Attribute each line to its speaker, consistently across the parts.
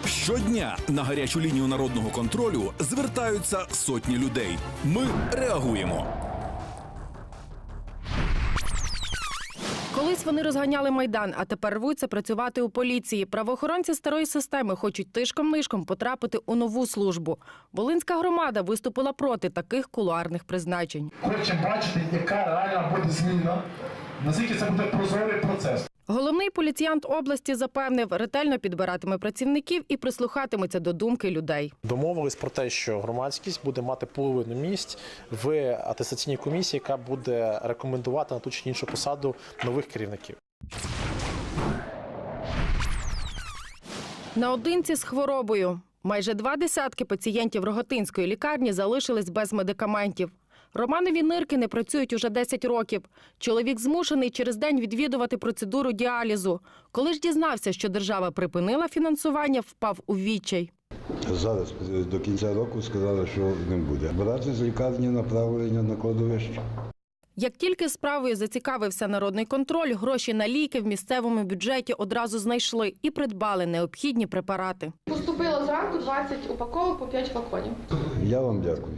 Speaker 1: Щодня на гарячу лінію народного контролю звертаються сотні людей. Ми реагуємо.
Speaker 2: Колись вони розганяли Майдан, а тепер рвуться працювати у поліції. Правоохоронці старої системи хочуть тишком-нишком потрапити у нову службу. Волинська громада виступила проти таких кулуарних призначень.
Speaker 3: Хочемо бачити, яка реально буде зміна, наскільки це буде прозорий процес.
Speaker 2: Головний поліціянт області запевнив, ретельно підбиратиме працівників і прислухатиметься до думки людей.
Speaker 4: Домовились про те, що громадськість буде мати половину місць в атестаційній комісії, яка буде рекомендувати на ту чи іншу посаду нових керівників.
Speaker 2: Наодинці з хворобою. Майже 20 пацієнтів Рогатинської лікарні залишились без медикаментів. Романові нирки не працюють уже 10 років. Чоловік змушений через день відвідувати процедуру діалізу. Коли ж дізнався, що держава припинила фінансування, впав у відчай.
Speaker 5: Зараз до кінця року сказали, що не буде. Брати з лікарні направлення на кладовище.
Speaker 2: Як тільки справою зацікавився народний контроль, гроші на ліки в місцевому бюджеті одразу знайшли і придбали необхідні препарати.
Speaker 6: Поступило зранку 20 упаковок по 5 флаконів.
Speaker 5: Я вам дякую.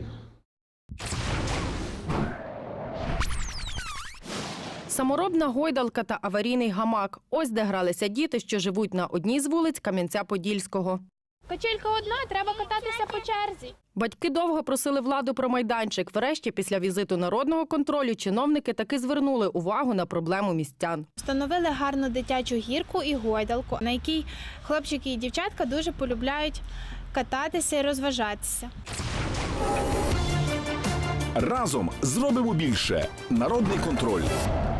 Speaker 2: Саморобна гойдалка та аварійний гамак. Ось де гралися діти, що живуть на одній з вулиць Кам'янця-Подільського.
Speaker 7: Качелька одна, треба кататися по черзі.
Speaker 2: Батьки довго просили владу про майданчик. Врешті, після візиту народного контролю, чиновники таки звернули увагу на проблему містян.
Speaker 7: Встановили гарну дитячу гірку і гойдалку, на якій хлопчики і дівчатка дуже полюбляють кататися і розважатися.
Speaker 1: Разом зробимо більше. Народний контроль.